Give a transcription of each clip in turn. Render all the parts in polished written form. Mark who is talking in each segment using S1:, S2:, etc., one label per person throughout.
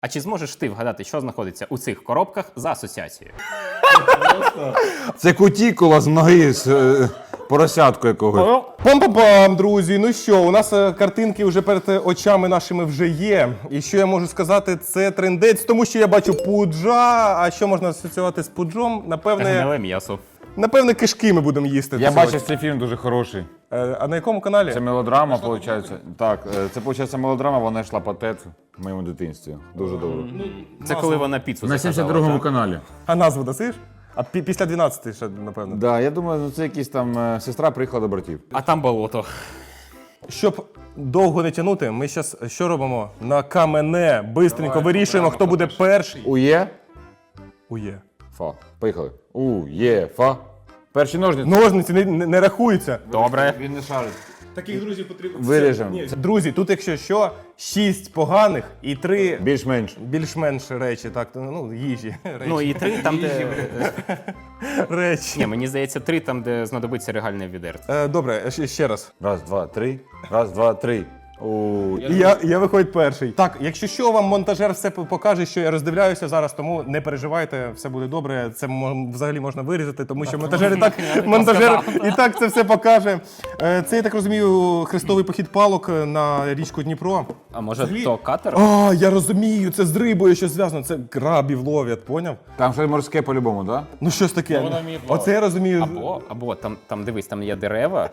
S1: А чи зможеш ти вгадати, що знаходиться у цих коробках за асоціацією?
S2: Це кутікула з ноги з поросятку якогось.
S3: Пам-пам-пам, друзі. Ну що, у нас картинки вже перед очами нашими вже є. І що я можу сказати, це трендець, тому що я бачу пуджа. А що можна асоціювати з пуджом?
S1: Гниле м'ясо.
S3: Напевне, кишки ми будемо їсти.
S2: Я
S3: сьогодні.
S2: бачив цей фільм дуже хороший.
S3: А на якому каналі?
S2: Це мелодрама, виходить. Так, це виходить мелодрама, вона йшла по ТЕТ в моєму дитинстві. Дуже добре.
S1: Це коли вона піцу
S2: На
S1: заказала,
S2: 72-му
S1: так?
S2: каналі.
S3: А назву дасиш? А після 12 ще, напевно.
S2: Да, я думаю, ну це якийсь там сестра приїхала до братів.
S1: А там болото.
S3: Щоб довго не тягнути, ми зараз що робимо? На камене. Бистренько вирішуємо, хто буде перший.
S2: Ує,
S3: Ує.
S2: фа. Поїхали. Ує, фа. Перші ножниці.
S3: Ножниці не рахуються.
S1: Добре.
S2: Він не шарить.
S3: Таких друзів потрібно.
S2: Виріжемо.
S3: Друзі, тут якщо що, 6 поганих і 3
S2: Більш-менш.
S3: більш-менш речі, так, ну, їжі. Речі.
S1: Ну і 3 там, де...
S3: Речі.
S1: Ні, мені здається, 3 там, де знадобиться регальне відерце.
S3: Добре, ще раз.
S2: Раз, два, три. Раз, два, три.
S3: І я виходить перший. Так, якщо що, вам монтажер все покаже, що я роздивляюся зараз, тому не переживайте, все буде добре. Це взагалі можна вирізати, тому що монтажер і так це все покаже. Це, я так розумію, хрестовий похід палок на річку Дніпро.
S1: А може то катер?
S3: А, я розумію, це з рибою щось зв'язано, це крабів ловлять, поняв?
S2: Там щось морське по-любому, так?
S3: Ну щось таке. Оце я розумію.
S1: Або там дивись, там є дерева.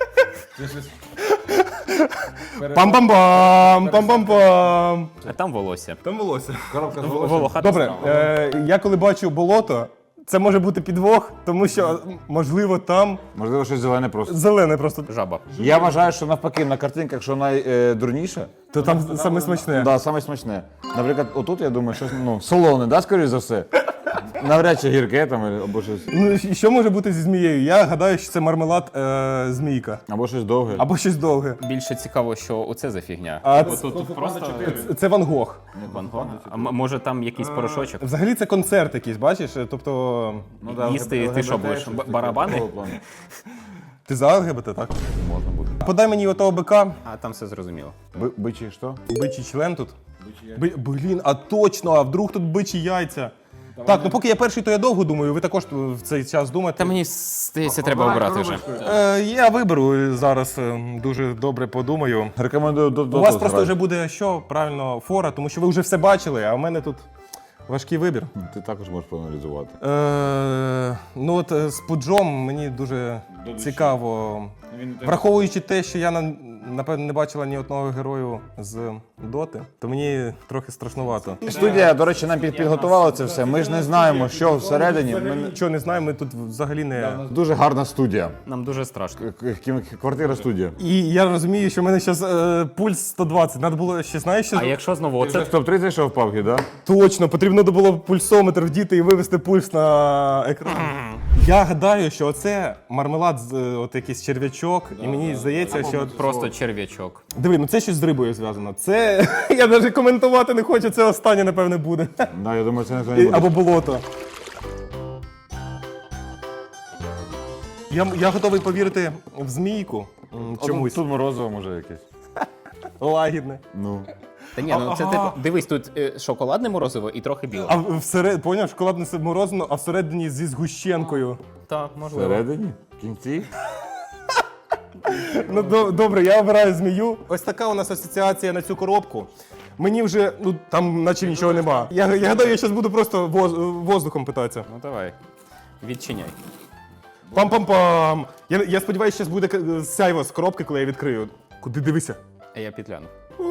S3: Пам-пам-пам, пам-пам-пам.
S1: А там волосся.
S3: Там волосся.
S1: Волохата
S3: Добре,
S1: страва.
S3: я коли бачу болото, це може бути підвох, тому що, можливо, там
S2: Можливо, щось зелене просто.
S3: зелене просто.
S1: Жаба.
S2: Я вважаю, що навпаки, на картинках, що найдурніше,
S3: То там саме смачне.
S2: да, саме смачне. Наприклад, отут, я думаю, щось солоне, да, скоріш за все? Навряд чи гірке там, або щось.
S3: Ну, і що може бути зі змією? Я гадаю, що це мармелад змійка.
S2: Або щось довге.
S3: Або щось довге.
S1: Більше цікаво, що оце за фігня.
S3: А
S1: Тут просто
S3: це Ван Гог.
S1: Ван Гог. А може там якийсь порошочок?
S3: Взагалі це концерт якийсь, бачиш? Тобто,
S1: Їсти ти що будеш? Барабани?
S3: ти за ЛГБТ, так?
S2: Можна буде.
S3: Подай мені отого бика,
S1: А там все зрозуміло.
S2: Бичі що?
S3: бичий член тут. Блін, а точно, а вдруг тут бичі яйця? Так, ну поки я перший, то я довго думаю, ви також в цей час думаєте.
S1: Та мені здається, треба обрати вже.
S3: Я виберу зараз, дуже добре подумаю.
S2: Рекомендую до
S3: У вас просто вже буде що, правильно, фора, тому що ви вже все бачили, а в мене тут важкий вибір.
S2: Ти також можеш проаналізувати.
S3: Ну от з пуджом мені дуже цікаво. Враховуючи те, що я напевно не бачила ні одного герою з Доти, то мені трохи страшнувато.
S2: Студія, до речі, нам підготувала це все. Ми ж не знаємо, що всередині. Ми...
S3: Нічого не знаємо, ми тут взагалі не.
S2: Дуже гарна студія.
S1: Нам дуже страшно.
S2: Квартира-студія.
S3: І я розумію, що в мене зараз пульс 120. Треба було ще, знаєш, що
S1: А якщо знову оце?
S2: Топ-3 зайшов в PUBG, да?
S3: точно потрібно було пульсометр вдіти і вивести пульс на екран. Я гадаю, що оце мармелад з от якийсь черв'ячок, і мені здається, що от
S1: Просто черв'ячок.
S3: диви, ну це щось з рибою зв'язано. Це я навіть коментувати не хочу. Це останнє, напевне, буде.
S2: Да, я думаю, це ніхто не буде.
S3: Або болото. Я готовий повірити в змійку. Чомусь
S2: Тут морозиво може якесь.
S3: лагідне.
S2: Ну.
S1: Та ні, ну це типу, дивись, тут шоколадне морозиво і трохи біле.
S3: А всередині, поняв, шоколадне морозиво, а всередині зі згущенкою.
S1: Так, можливо.
S2: Всередині? В кінці?
S3: Ну добре, я обираю змію. Ось така у нас асоціація на цю коробку. Мені вже, ну там наче нічого нема. Я гадаю, я зараз буду просто воздухом питатися.
S1: Ну давай, відчиняй.
S3: Пам-пам-пам. Я сподіваюся, зараз буде сяйво з коробки, коли я відкрию. Куди дивися?
S1: А я підгляну.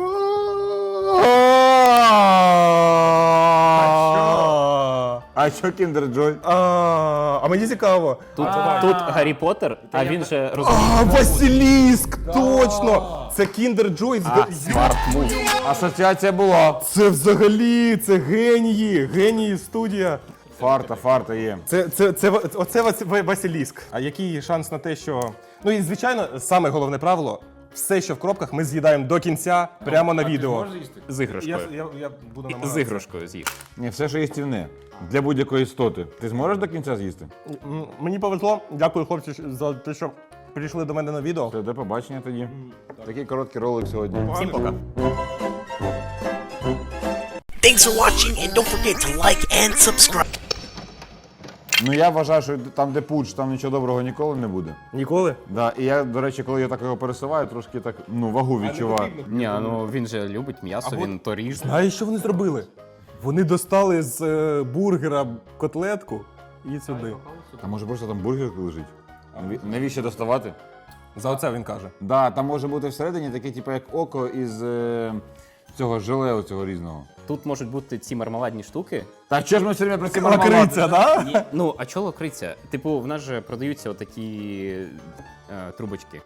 S2: А що Kinder Joy?
S3: А мені цікаво.
S1: Тут Гаррі Поттер, а він же розуміє.
S3: Василіск! Точно! Це Kinder Joy.
S1: Смарт мув.
S2: Асоціація була.
S3: Це взагалі, це генії студія.
S2: Фарта є.
S3: Оце Василіск. А який шанс на те, що. Ну і звичайно, саме головне правило. Все, що в коробках, ми з'їдаємо до кінця, прямо на відео.
S1: З іграшкою.
S3: Я буду
S1: З
S3: намагатися.
S1: іграшкою з'їв.
S2: Ні, все, що їстівне. Для будь-якої істоти. Ти зможеш до кінця з'їсти?
S3: Мені повезло. Дякую, хлопці, за те, що прийшли до мене на відео.
S2: Все, до побачення тоді. Такий короткий ролик сьогодні.
S1: Всім пока.
S4: Thanks for watching, and don't forget to like and subscribe.
S2: Ну я вважаю, що там, де пуч, там нічого доброго ніколи не буде.
S3: Ніколи?
S2: Да, і я, до речі, коли я так його пересуваю, трошки так, вагу відчуваю.
S1: Ні, ну він же любить м'ясо, він то ріж.
S3: Знаєш, що вони зробили? Вони достали з бургера котлетку і сюди.
S2: А може просто там бургер лежить? Навіщо доставати?
S3: За оце він каже.
S2: Да, там може бути всередині таке, типу, як око із цього желе цього різного.
S1: Тут можуть бути ці мармеладні штуки.
S2: Так що ж ми все время про ці
S3: Лакриця, да?
S1: Ні, ну, а чого лакриця? Типу, в нас же продаються отакі трубочки.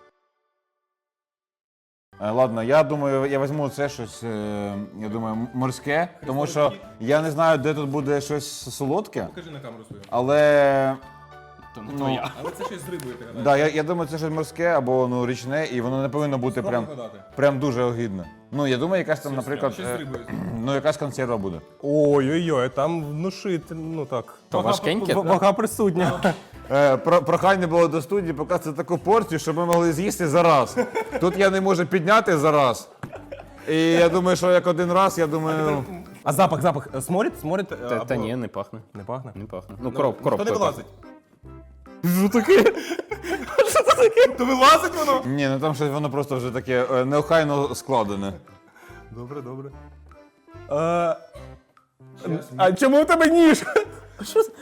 S2: Ладно, я думаю, я візьму це щось, я думаю, морське, тому що я не знаю, де тут буде щось солодке,
S3: Покажи на камеру свою.
S2: але...
S1: То не твоя.
S3: Але це щось з рибою, ти гадаєш?
S2: Да, я думаю, це щось морське або річне, і воно не повинно бути прям дуже огидно. Ну, я думаю, якась там, наприклад, якась консерва буде.
S3: Ой-ой-ой, там внушити, ну так.
S1: То важкеньке?
S3: Вага присутня.
S2: Прохання було до студії показати таку порцію, щоб ми могли з'їсти за раз. Тут я не можу підняти за раз. І я думаю, що як один раз, я думаю...
S3: А запах, сморід?
S1: Та ні, не пахне.
S3: Не пахне?
S1: Не пахне. Ну, коробка.
S3: Хто не вилазить? Що таке? Що це таке? То вилазить воно?
S2: Ні, ну там щось воно просто вже таке неохайно складене.
S3: Добре. А чому у тебе ніж? Що це?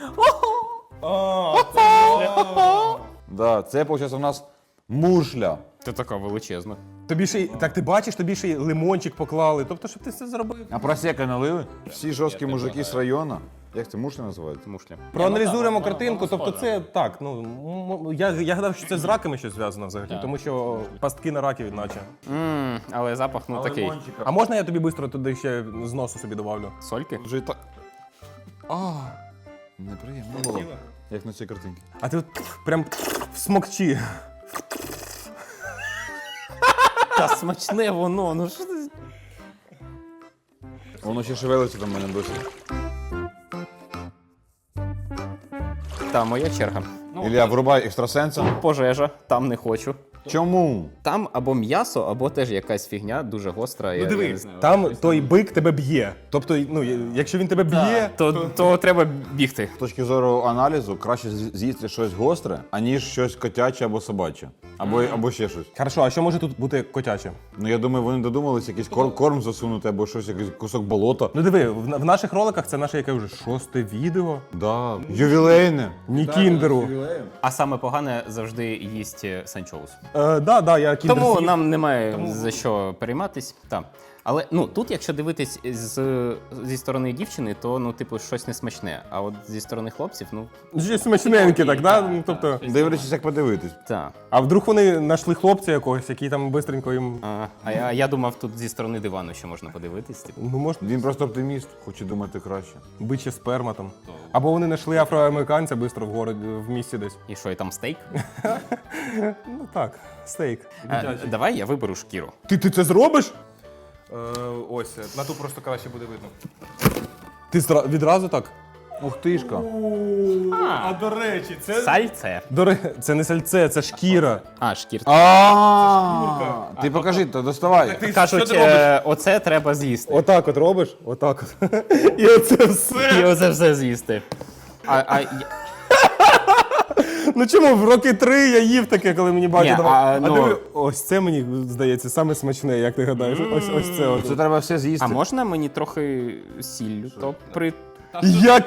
S2: Да, це, виходить, у нас мушля.
S1: Це така величезна.
S3: Тобі ще й, так ти бачиш, тобі ще й лимончик поклали. Тобто, щоб ти все зробив.
S2: А просека налили? Всі жорсткі мужики з району. Як це, мушля називається?
S1: Мушля.
S3: Проаналізуємо картинку, тобто це так, я гадав, що це з раками щось зв'язано взагалі, тому що пастки на раків наче.
S1: Але запах, ну, такий.
S3: А можна я тобі швидко туди ще з носу собі добавлю?
S1: Сольки?
S2: Вже і так. Неприємно було. Як на цій картинці.
S3: А ти от прям в смокчі.
S1: Та смачне воно, ну що ти?
S2: Воно ще шевелиться там в мене досі.
S1: Та, моя черга.
S2: Ілля, врубай екстрасенса.
S1: Пожежа, там не хочу.
S2: Чому?
S1: Там або м'ясо, або теж якась фігня дуже гостра.
S3: Ну диви, там той бик тебе б'є. Тобто, якщо він тебе б'є,
S1: То треба бігти.
S2: З точки зору аналізу, краще з'їсти щось гостре, аніж щось котяче або собаче. Або ще щось.
S3: Хорошо, а що може тут бути котяче?
S2: Ну я думаю, вони додумались якийсь корм засунути або щось, якийсь кусок болота.
S3: Ну диви, в наших роликах це наше яке вже 6-те відео.
S2: Да. Ювілейне.
S3: Ні кіндеру.
S1: А саме погане завжди їсть санчоус.
S3: Да, я кіндер
S1: Тому
S3: з'їв.
S1: нам немає за що перейматись. Так. Але ну тут, якщо дивитись зі сторони дівчини, то ну, типу, щось несмачне. А от зі сторони хлопців, ну
S3: Щось смачненьке, так, да? Ну, тобто,
S2: Дивлячись, як подивитись.
S1: так.
S3: а вдруг вони знайшли хлопця якогось, який там бистренько їм.
S1: А я думав, тут зі сторони дивану, що можна подивитись. Типу.
S3: Ну, може,
S2: Він просто оптиміст, хоче думати краще.
S3: биче сперма там. Або вони знайшли афроамериканця бистро в городі, в місті десь.
S1: І що, і там стейк?
S3: Ну так, стейк.
S1: Давай я виберу шкіру.
S3: Ти це зробиш? Ось, на ту просто краще буде видно. Ти відразу так?
S2: Ух тишка.
S3: А до речі, це.
S1: Сальце.
S3: Це не сальце, це шкіра.
S1: А, шкірка.
S2: Ти покажи, то доставай.
S1: Кажуть, оце треба з'їсти.
S3: Отак от робиш, отак от. І оце все.
S1: І оце все з'їсти.
S3: Ну чому в роки 3 я їв таке, коли мені батя
S1: Ні,
S3: давав.
S1: ну-
S3: диви, ось це мені здається саме смачне, як ти гадаєш. Ось це от.
S2: Це треба все з'їсти.
S1: А можна мені трохи сіллю? То при...
S3: Як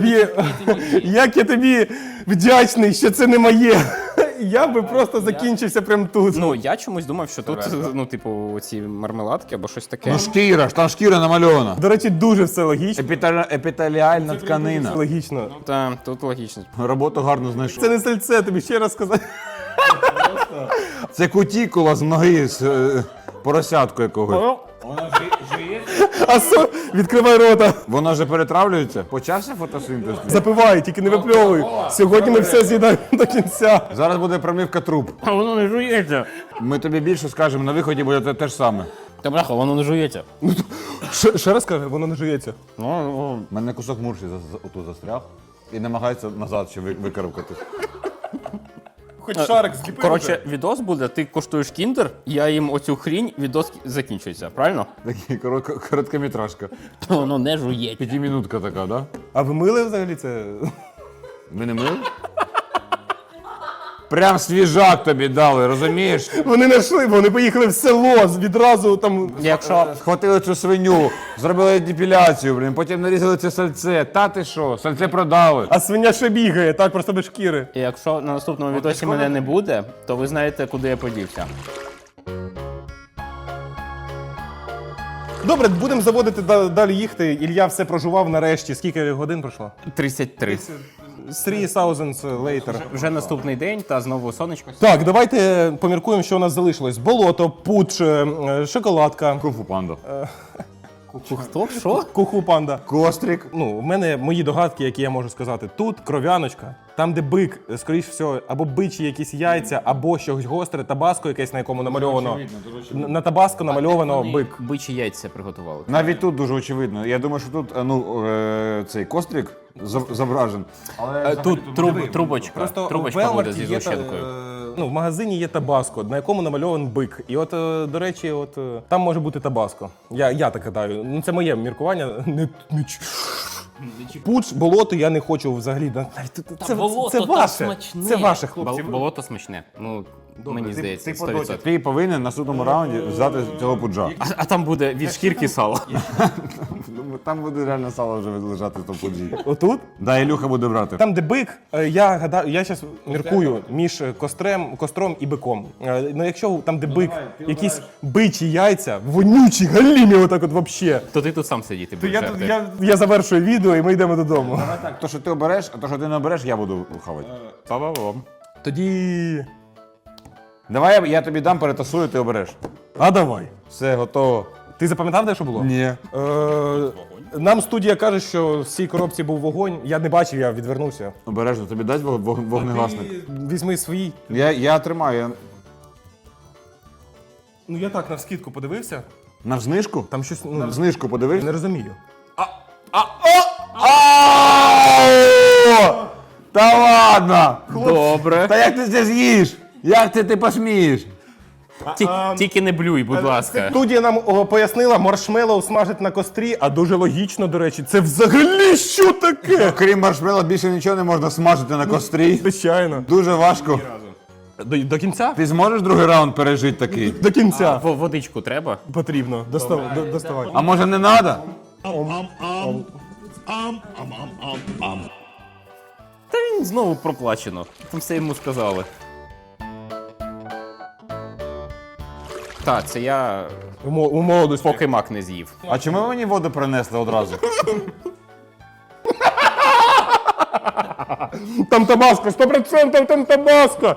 S3: я тобі вдячний, що це не моє. Я би просто закінчився прямо тут.
S1: Ну, я чомусь думав, що тут, ну, типу, ці мармеладки або щось таке.
S2: Ну шкіра, ж там шкіра намальована.
S3: До речі, дуже все логічно.
S2: Епітеліальна тканина.
S3: Логічно.
S1: Та, тут логічно.
S2: Роботу гарно знайшов.
S3: Це не сальце, тобі ще раз сказати.
S2: Це кутікула з ноги з поросятку якогось.
S3: Відкривай рота.
S2: Воно вже перетравлюється. Почався фотосинтез?
S3: Запивай, тільки не випльовуй. Сьогодні ми все з'їдаємо до кінця.
S2: Зараз буде промивка труб.
S1: А воно не жується.
S2: Ми тобі більше скажемо, на виході буде те ж саме.
S1: Та бляха, воно не жується.
S3: Ще раз каже, воно не жується.
S2: У мене кусок мурші отут застряг і намагається назад ще викарабкати.
S3: Хоч шарик зліпив.
S1: Коротше, відос буде, ти коштуєш кіндер, я їм оцю хрінь, відос закінчується, правильно?
S2: Такий короткометражка.
S1: Воно не жує.
S2: П'ятимінутка така, да?
S3: А ви мили взагалі це?
S2: Ви не мили? Прям свіжак тобі дали, розумієш?
S3: Вони не йшли, вони поїхали в село відразу там.
S1: Якщо
S2: Схватили цю свиню, зробили депіляцію, блін, потім нарізали це сальце. Та ти що, сальце продали.
S3: А свиня ще бігає, так просто без шкіри.
S1: Якщо на наступному відосі мене не буде, то ви знаєте, куди я подівся.
S3: Добре, будемо заводити далі їхати. Ілля все прожував нарешті. Скільки годин пройшло?
S1: 33.
S3: 3000 later.
S1: Вже наступний день та знову сонечко.
S3: Так, давайте поміркуємо, що у нас залишилось. Болото, пуч, шоколадка.
S2: Кунг-фу панда.
S1: Хто? Що?
S3: Куху панда.
S2: Кострик.
S3: Ну, в мене мої догадки, які я можу сказати. Тут кров'яночка, там, де бик, скоріш всього, або бичі якісь яйця, або щось гостре, табаско якесь, на якому намальовано. На табаско намальовано бик.
S1: Бичі яйця приготували.
S2: Навіть тут дуже очевидно. Я думаю, що тут цей кострик зображен.
S1: Тут трубочка.
S3: Просто в
S1: Трубочка буде
S3: Велмарті
S1: зі
S3: є
S1: згущенкою.
S3: ну, в магазині є табаско, на якому намальований бик. І от, до речі, от там може бути табаско. Я так гадаю. Ну, це моє міркування. Пуч, болото я не хочу взагалі. Це ваше. Це ваше, хлопці.
S1: Болото смачне. Ну, мені здається, 100%.
S2: Ти повинен на наступному раунді взяти цього пуджа.
S1: А там буде від шкірки сало.
S2: Там буде реально сало вже лежати в тому пуджі.
S3: Отут?
S2: Да, Ілюха буде брати.
S3: Там, де бик, я гадаю, я зараз міркую між костром і биком. Ну, якщо там, де бик, якісь бичі яйця, вонючі, галімі, отак от вообще.
S1: То ти тут сам сидіти будеш. жерти.
S3: Я завершую відео і ми йдемо додому.
S2: Так, то, що ти обереш, а то, що ти не обереш, я буду хавати.
S1: Па-ба-бам.
S3: Тоді.
S2: Давай я тобі дам, перетасую, ти обереш.
S3: А давай.
S2: Все, готово.
S3: Ти запам'ятав, де що було?
S2: Ні.
S3: Нам студія каже, що в цій коробці був вогонь. Я не бачив, я відвернувся.
S2: Обережно, тобі дасть вогнегасник?
S3: Візьми свій.
S2: Я тримаю.
S3: Ну я так навскидку подивився.
S2: На знижку?
S3: Там щось.
S2: На знижку подивився?
S3: Не розумію.
S2: Та ладно!
S1: Добре.
S2: Та як ти це з'їш? Як це ти посмієш?
S1: Тільки не блюй, будь ласка.
S3: Студія нам пояснила, маршмеллоу смажить на кострі, а дуже логічно, до речі, це взагалі що таке?
S2: Крім маршмелла, більше нічого не можна смажити на кострі.
S3: Звичайно.
S2: Дуже важко.
S3: До кінця?
S2: Ти зможеш другий раунд пережити такий?
S3: До кінця.
S1: Водичку треба?
S3: Потрібно. Доставай.
S2: А може не треба?
S1: Та він знову проплачено. Там все йому сказали. Так, це я
S3: У молодості.
S1: поки мак не з'їв.
S2: А чому ви мені воду принесли одразу?
S3: Там табаско, 100% там табаско.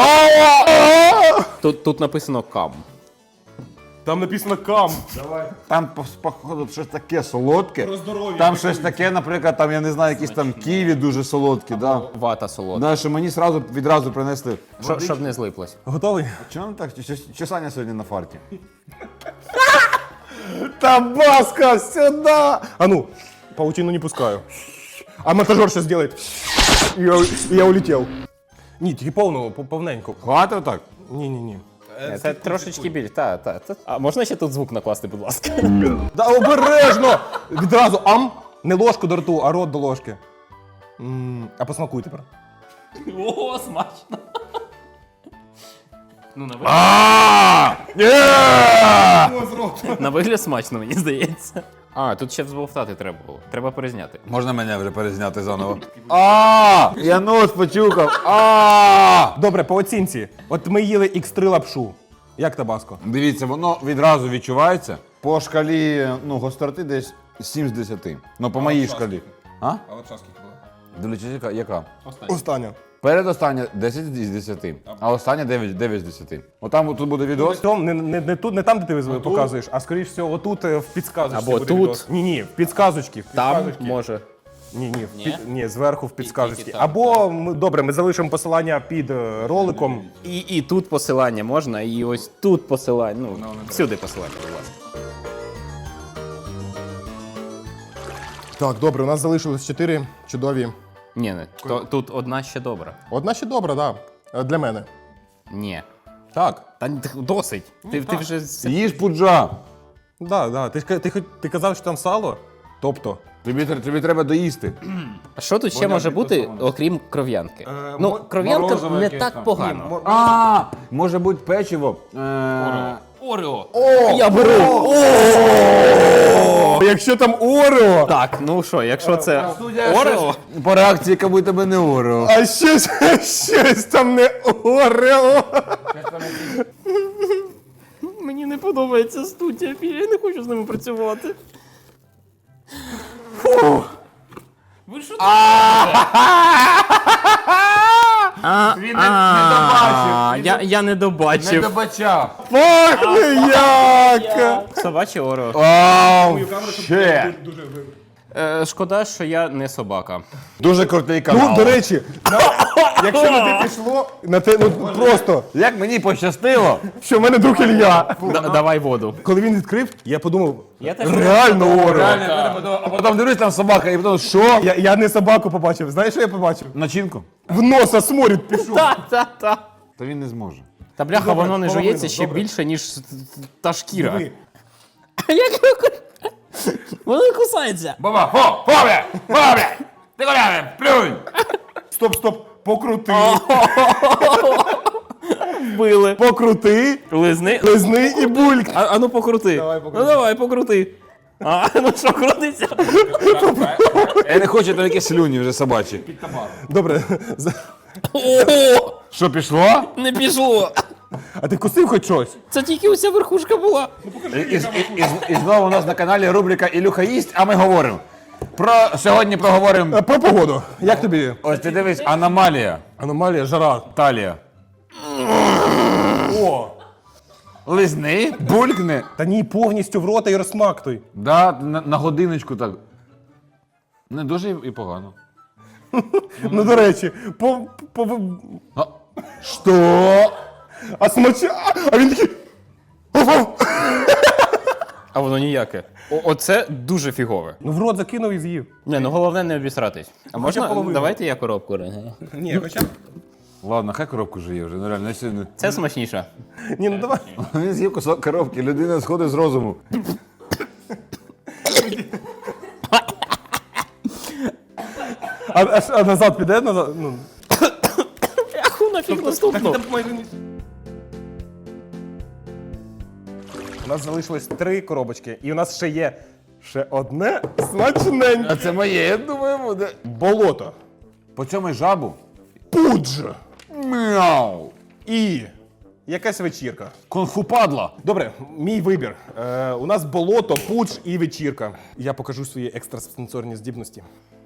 S1: Тут написано кам.
S3: Там написано кам.
S2: Там, походу, щось таке солодке. Там щось таке, наприклад, там, я не знаю, якісь там ківі дуже солодкі, да.
S1: Вата солодка.
S2: Знаєш, що мені відразу принесли.
S1: Щоб не злиплось.
S3: Готовий?
S2: Чому так? Чи Саня сьогодні на фарті?
S3: Табаско, сюда! А ну, паутину не пускаю. А монтажер сейчас сделает. И я улетел. Ні, тільки повненько.
S2: Хватить отак?
S3: Ні.
S1: Це трошечки біль. Та. А можна ще тут звук накласти, будь ласка?
S3: Да обережно! Відразу ам! Не ложку до рту, а рот до ложки. А посмакуй тепер.
S1: О, смачно. Ну, на вигляд смачно, мені здається. А, тут ще взболтати треба було. Треба перезняти.
S2: Можна мене вже перезняти заново? Я нос почухав.
S3: Добре, по оцінці. От ми їли X3 лапшу. Як табаско?
S2: Дивіться, воно відразу відчувається. По шкалі гостроти десь 7 з 10. Ну, по моїй шкалі. А?
S3: А лапша скільки була?
S2: Дивіться, яка?
S3: Остання.
S2: Передостання 10 з 10, а остання 9 з 10. Отам тут буде відос.
S3: Том, не там, де ти показуєш, а скоріш всього отут в підсказочці.
S1: Або
S3: буде
S1: тут.
S3: відос. Ні, в підсказочці.
S1: Там може.
S3: Ні, зверху в підсказочці.
S1: Тільки там.
S3: Або, добре, ми залишимо посилання під роликом.
S1: І тут посилання можна, і ось тут посилання. Ну, всюди посилання, будь ласка.
S3: Так, добре, у нас залишилось 4 чудові.
S1: Ні, тут одна ще добра.
S3: Одна ще добра, так. Да. Для мене.
S1: Ні.
S3: Так.
S1: Та досить. Ти вже...
S2: Їж пуджа.
S3: Да. Ти казав, що там сало? Тобто.
S2: Тобі треба доїсти.
S1: А що тут ще може бути, окрім кров'янки? Ну, кров'янка
S2: морозиво
S1: не
S2: якесь
S1: так
S2: там.
S1: погано.
S2: Може бути печиво.
S1: Орео. Я беру.
S3: Якщо там Орео,
S1: Так, ну що, якщо це Орео,
S2: По реакції, яка будь тебе не Орео.
S3: а щось там не Орео.
S1: мені не подобається студія, я не хочу з ними працювати. Ви що
S2: Він не добачив.
S1: Я не добачив.
S2: добачав.
S3: Пахне як!
S1: Собаче Орео.
S2: Вау, ще.
S1: Шкода, що я не собака.
S2: Дуже крутий канал.
S3: Ну, до речі, якщо на те пішло, на те, ну просто,
S2: Як мені пощастило.
S3: що в мене друг Ілля.
S1: Давай воду.
S3: Коли він відкрив, я подумав,
S1: Я теж
S3: реально Орео.
S2: А потім дивлюсь, там собака, і потім, що?
S3: Я не собаку побачив. Знаєш, що я побачив?
S2: Начинку?
S3: В носа сморід пішов.
S1: Та.
S2: Та він не зможе.
S1: Та бляха,
S3: Добре,
S1: воно не
S3: половину,
S1: жується ще
S3: добре.
S1: більше, ніж та шкіра.
S3: Диви.
S1: Воно не кусається.
S2: Баба, бля! Ти коля, плюнь!
S3: Стоп, покрути.
S1: Вбили.
S3: Покрути,
S1: Лизни.
S3: лизни і бульк.
S1: А ну покрути. Ну давай, покрути. А, ну що, крутиться?
S2: Я не хочу, там якісь слюні вже собачі.
S3: Добре.
S1: О,
S2: Що, пішло?
S1: не пішло.
S3: А ти вкусив хоч щось?
S1: Це тільки уся верхушка була.
S2: І знову у нас на каналі рубрика Ілюха їсть, а ми говоримо. Сьогодні проговоримо.
S3: Про погоду. Як тобі?
S2: Ось ти дивись, аномалія.
S3: Аномалія, жара.
S2: Талія.
S3: О!
S2: Лизни, булькни.
S3: Та ні, повністю в рота і розсмактуй.
S2: Да, на годиночку так. Не дуже і погано.
S3: Ну, до речі,
S2: А, що?
S3: А смача... А він такий...
S1: А воно ніяке. Оце дуже фігове.
S3: Ну, в рот закинув і з'їв.
S1: Не, ну головне не обісратись. А можна?
S3: половину.
S1: Давайте я коробку.
S3: Ні, хоча б...
S2: Ладно, хай коробку жиє вже, ну реально. я сьогодні-
S1: Це смачніше.
S3: Ні, ну давай.
S2: Він з'їв кусок коробки, людина сходить з розуму.
S3: А назад піде? Назад? Ну.
S1: Аху нафіг наступну.
S3: У нас залишилось 3 коробочки, і у нас ще є одне смачненьке.
S2: А це моє, я думаю, буде.
S3: Болото.
S2: По цьому жабу?
S3: Пудж.
S2: Мяу.
S3: І якась вечірка.
S2: Кунг-фу падла.
S3: Добре, мій вибір. У нас болото, пудж і вечірка. Я покажу свої екстрасенсорні здібності.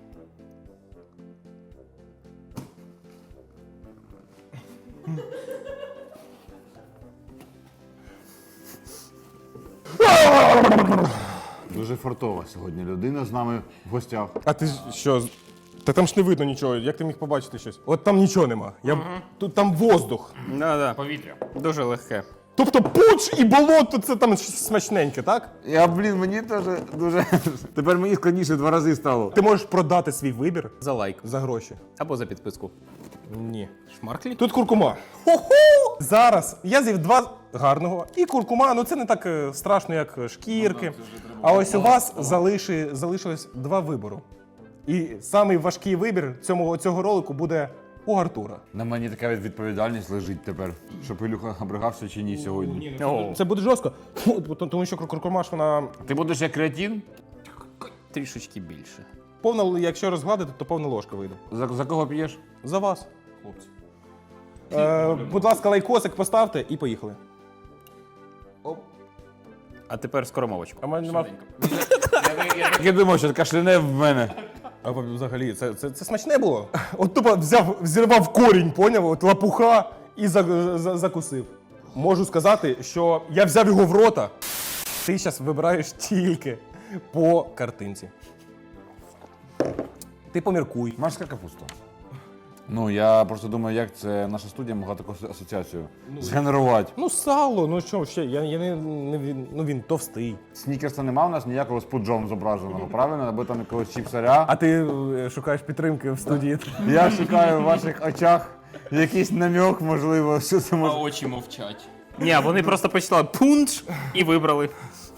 S2: Дуже фартова сьогодні людина з нами в гостях.
S3: А ти що? Та там ж не видно нічого. Як ти міг побачити щось? От там нічого нема. Тут там воздух.
S1: Да. Повітря. Дуже легке.
S3: Тобто пудж і болото це там щось смачненьке, так?
S2: Мені теж дуже. Тепер мені складніше 2 рази стало.
S3: Ти можеш продати свій вибір
S1: За лайк.
S3: за гроші.
S1: Або за підписку.
S3: Ні.
S1: Шмарклі?
S3: Тут куркума. Зараз я з'їв 2 гарного. І куркума, ну це не так страшно, як шкірки. А ось у вас залишилось 2 вибору. І самий важкий вибір цього ролику буде у Артура.
S2: На мені така відповідальність лежить тепер, щоб Ілюха обригався чи ні сьогодні.
S1: О,
S3: Це буде жорстко, тому що куркума ж вона
S2: Ти будеш як креатин?
S1: трішечки більше.
S3: повна, якщо розгладити, то повна ложка вийде.
S2: За кого п'єш?
S3: За вас, хлопці. Будь ласка, лайкосик поставте і поїхали.
S1: А тепер скоромовочку.
S3: А мене нема.
S2: Я думав, що кашляне в мене.
S3: А взагалі, це смачне було. От тупо взірвав корінь, поняв? От лапуха і закусив. Можу сказати, що я взяв його в рота. Ти зараз вибираєш тільки по картинці. Ти поміркуй.
S2: Морська капуста. Ну, я просто думаю, як це наша студія могла таку асоціацію згенерувати.
S3: Ну, сало, ну що ще, він товстий.
S2: Снікерса нема у нас ніякого з пуджом зображеного, правильно? Або там якогось чіпсаря.
S3: А ти шукаєш підтримки в студії.
S2: Я шукаю в ваших очах Якийсь намек, можливо, що це
S1: А
S2: може.
S1: очі мовчать. Ні, вони просто почитали пунш і вибрали.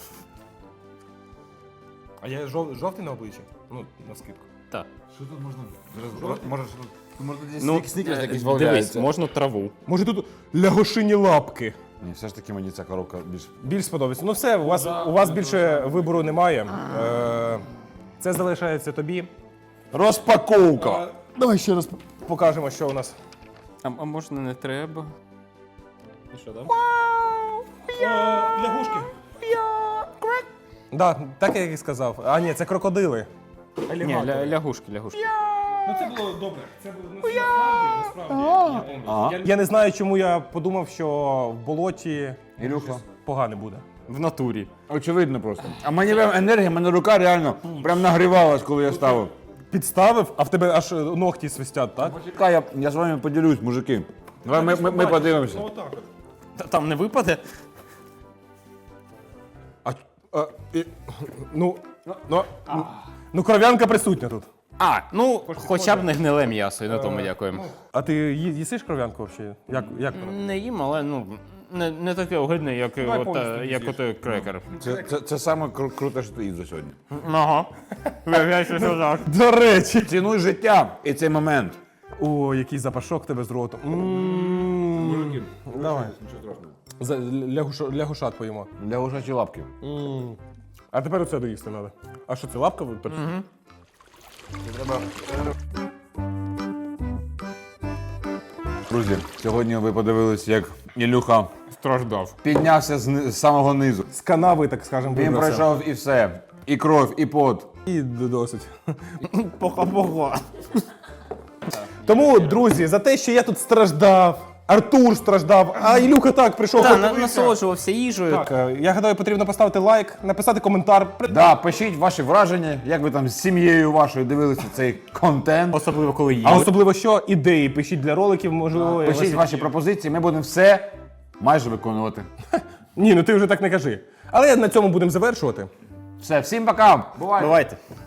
S3: А я жовтий на обличчі? Ну, на скидку.
S1: Так.
S2: Що тут можна? Може,
S1: Ну, дивись, можна траву.
S3: Може тут лягушині лапки?
S2: Ні, все ж таки мені ця коробка більш.
S3: Більш сподобається. Ну все, у вас більше вибору немає. Це залишається тобі.
S2: Розпаковка!
S3: Давай ще раз покажемо, що у нас.
S1: А можна не треба? І що там?
S3: Лягушки. Да, так як і сказав. А ні, це крокодили.
S1: Ні, лягушки.
S3: Ну це було добре. Це було насправді. Я не знаю, чому я подумав, що в болоті
S2: Ілюха.
S3: погано буде.
S1: В натурі.
S2: Очевидно просто. А мені прям енергія, мене рука реально прям нагрівалась, коли я ставив.
S3: Підставив, а в тебе аж ногті свистять, так?
S2: Чекай, я з вами поділюсь, мужики. Давай ми подивимося.
S3: Отак от.
S1: Там не випаде?
S3: Ну, кров'янка присутня тут.
S1: А, ну, хоча б не гниле м'ясо, і на тому дякуємо.
S3: А ти їсиш кров'янку взагалі? Як воно?
S1: Не їм, але ну, не таке огидне, як отой крекер.
S2: Це саме круте, що ти їв за сьогодні.
S1: Ага. Виявляється, що так.
S3: До речі.
S2: Цінуй життя і цей момент.
S3: О, який запашок тебе з роту. Давай. Лягушат поїмо.
S2: Для ушачі лапки.
S3: А тепер оце доїсти треба. А що це лапка випадку?
S2: Друзі, сьогодні ви подивились, як Ілюха
S1: Страждав.
S2: піднявся з самого низу.
S3: З канави, так скажемо,
S2: Він
S3: вибрався.
S2: пройшов і все. І кров, і пот.
S3: І досить.
S1: Поха-поха.
S3: Тому, друзі, за те, що я тут страждав, Артур страждав, а Ілюха так прийшов.
S1: Так,
S3: подивився.
S1: насолоджувався їжею.
S3: Так, я гадаю, потрібно поставити лайк, написати коментар.
S2: Да, пишіть ваші враження, як ви там з сім'єю вашою дивилися цей контент.
S1: Особливо, коли їли.
S3: А особливо що? Ідеї пишіть для роликів, можливо.
S2: Пишіть ваші пропозиції, ми будемо все майже виконувати.
S3: Ні, ну ти вже так не кажи. Але на цьому будемо завершувати.
S2: Все, всім пока! Бувайте!
S1: Бувайте.